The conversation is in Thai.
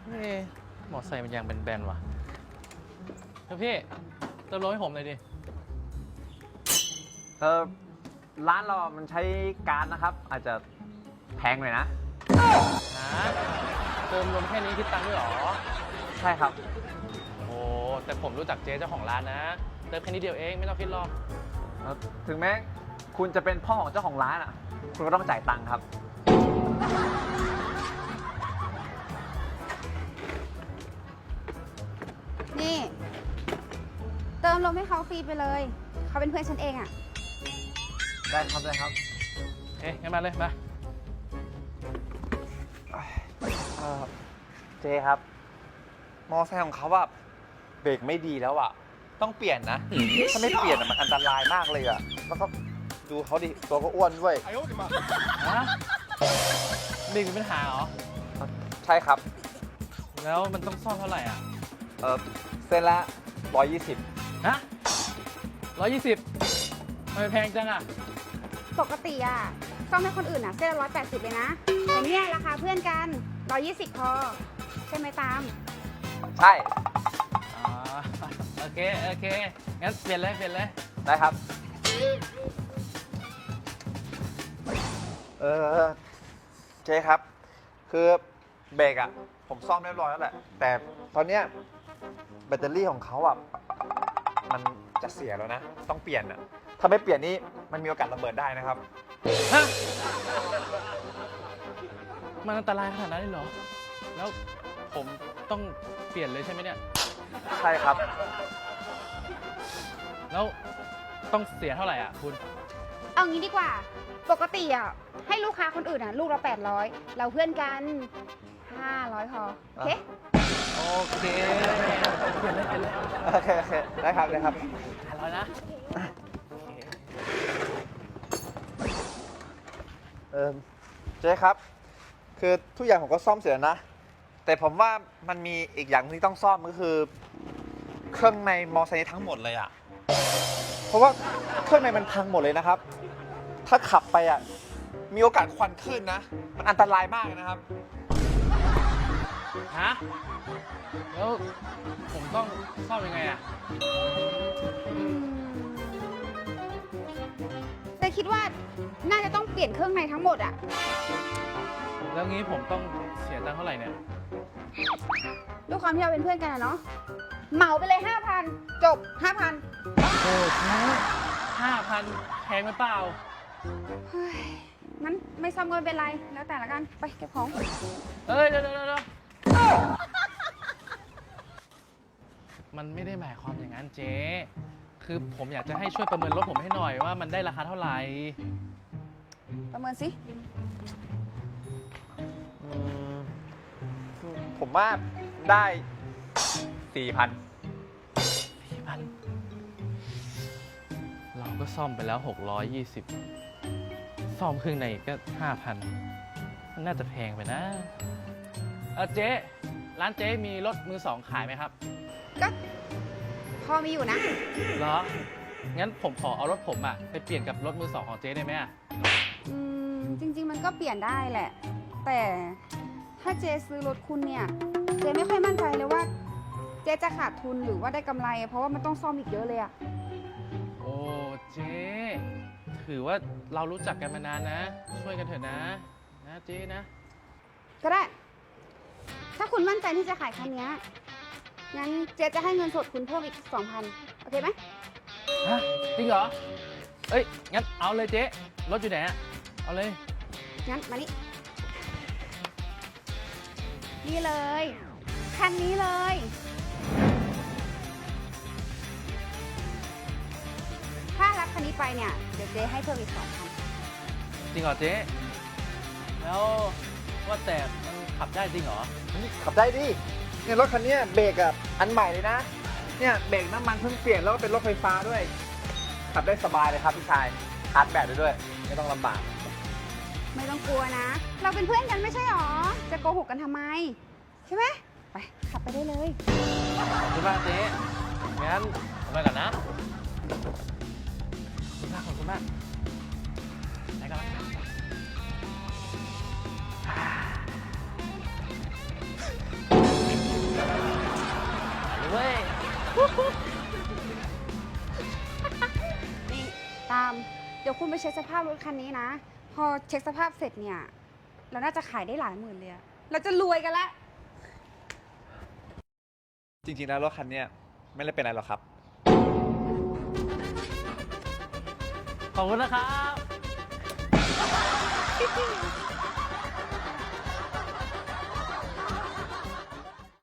เอ๊ะมอไซค์มันยางแบนๆว่ะเฮ้ยพี่เติมลมให้ผมหน่อยดิร้านเรามันใช้การนะครับ อาจจะแพงหน่อยนะฮะเติมลมแค่นี้คิดตังค์ด้วยเหรอใช่ครับโอ้แต่ผมรู้จักเจ๊เจ้าของร้านนะเติมแค่นี้เดียวเองไม่ต้องคิดหรอกถึงแม้คุณจะเป็นพ่อของเจ้าของร้านอ่ะ คุณก็ต้องจ่ายตังค์ครับนี่เติมลมให้เขาฟรีไปเลย เขาเป็นเพื่อนฉันเองอะได้ครับได้ครับเอ๊ะงั้นมาเลยมาเจครับ มอไซค์ของเขาว่าเบรกไม่ดีแล้วอ่ะ ต้องเปลี่ยนนะ ถ้าไม่เปลี่ยนอะมันอันตรายมากเลยอ่ะ แล้วก็ดูเขาดิ ตัวก็อ้วนด้วยฮะเบรกมีปัญหาเหรอใช่ครับแล้วมันต้องซ่อมเท่าไหร่อ่ะเส้นละ120 ฮะ120ทำไมแพงจังอ่ะปกติอะซ่อมให้คนอื่นอะเส้นละ180เลยนะแต่เนี่ยราคาเพื่อนกัน120พอใช่ไหมตามใช่อ๋อโอเคโอเคงั้นเปลี่ยนเลยเปลี่ยนเลยได้ครับ เจ๊ครับ คือเบรกอ่ะ ผมซ่อมเรียบร้อยแล้วแหละ แต่ตอนเนี้ยแบตเตอรี่ของเขาอ่ะ มันจะเสียแล้วนะ ต้องเปลี่ยนอ่ะ ถ้าไม่เปลี่ยนนี่มันมีโอกาสระเบิดได้นะครับฮะมันอันตรายขนาดนั้นเลยเหรอ แล้วผมต้องเปลี่ยนเลยใช่ไหมเนี่ยใช่ครับแล้วต้องเสียเท่าไหร่อ่ะคุณเอางี้ดีกว่า ปกติอะให้ลูกค้าคนอื่นอะลูกละ800เราเพื่อนกัน500พอโอเคโอเคเปลี่ยนเลยเปลี่ยนเลยโอเค โอเค ได้ครับ ได้ครับ 500นะเจ๊ครับ คือทุกอย่างผมก็ซ่อมเสร็จแล้วนะ แต่ผมว่ามันมีอีกอย่างที่ต้องซ่อมก็คือ เครื่องในมอไซค์ทั้งหมดเลยอ่ะ เพราะว่าเครื่องในมันพังหมดเลยนะครับ ถ้าขับไปอ่ะ มีโอกาสควันขึ้นนะ มันอันตรายมากนะครับฮะ แล้วผมต้องซ่อมยังไงอ่ะแต่คิดว่าน่าจะต้องเปลี่ยนเครื่องในทั้งหมดอะแล้วงี้ผมต้องเสียตังค์เท่าไหร่เนี่ยด้วยความที่เราเป็นเพื่อนกันอะเนาะเหมาไปเลย 5,000 จบ 5,000 โอ้โห5,000แพงไหมเปล่าเฮ้ยงั้นไม่ซ่อมก็ไม่เป็นไร แล้วแต่ละกัน ไปเก็บของเอ้ยเดี๋ยวมันไม่ได้หมายความอย่างนั้นเจ๊ คือผมอยากจะให้ช่วยประเมินรถผมให้หน่อยว่ามันได้ราคาเท่าไหร่ประเมินสิผมว่าได้ 4,000 4,000เราก็ซ่อมไปแล้ว 620 ซ่อมครึ่งในอีกก็ 5,000 มันน่าจะแพงไปนะเจ๊ ร้านเจ๊มีรถมือสองขายไหมครับก็พอมีอยู่นะเหรอ งั้นผมขอเอารถผมอะไปเปลี่ยนกับรถมือสองของเจ๊ได้ไหมอะจริง ๆ มันก็เปลี่ยนได้แหละ แต่ถ้าเจซื้อรถคุณเนี่ย เจไม่ค่อยมั่นใจเลยว่า เจจะขาดทุนหรือว่าได้กำไร เพราะว่ามันต้องซ่อมอีกเยอะเลยอะโอ้เจ๊ถือว่าเรารู้จักกันมานานนะ ช่วยกันเถอะนะเจ๊นะก็ได้ ถ้าคุณมั่นใจที่จะขายคันเนี้ยงั้นเจจะให้เงินสดคุณเพิ่มอีก 2,000 โอเคไหมฮะ จริงเหรอ เอ้ย งั้นเอาเลยเจ๊ รถอยู่ไหนอะเอาเลยงั้นมานี่ นี่เลย คันนี้เลย ถ้ารับคันนี้ไปเนี่ย เดี๋ยวเจ๊ให้เพิ่มอีก 2,000 จริงเหรอเจ๊ แล้วว่าแต่มันขับได้จริงเหรอขับได้ดิ เนี่ยรถคันเนี้ยเบรกอ่ะอันใหม่เลยนะ เนี่ยเบรกน้ำมันเพิ่งเปลี่ยนแล้วก็เป็นรถไฟฟ้าด้วย ขับได้สบายเลยครับพี่ชายชาร์จแบตได้ด้วย ไม่ต้องลำบากไม่ต้องกลัวนะ เราเป็นเพื่อนกันไม่ใช่หรอ จะโกหกกันทำไม ใช่ไหม ไป ขับไปได้เลยขอบคุณมากเจ๊งั้นผมไปก่อนนะขอบคุณมากไปก่อนเว้ยนี่ตาม เดี๋ยวคุณไปเช็คสภาพรถคันนี้นะ พอเช็คสภาพเสร็จเนี่ย เราน่าจะขายได้หลายหมื่นเลยอะเราจะรวยกันละจริงๆแล้วรถคันเนี้ยไม่ได้เป็นอะไรหรอกครับขอบคุณนะครับ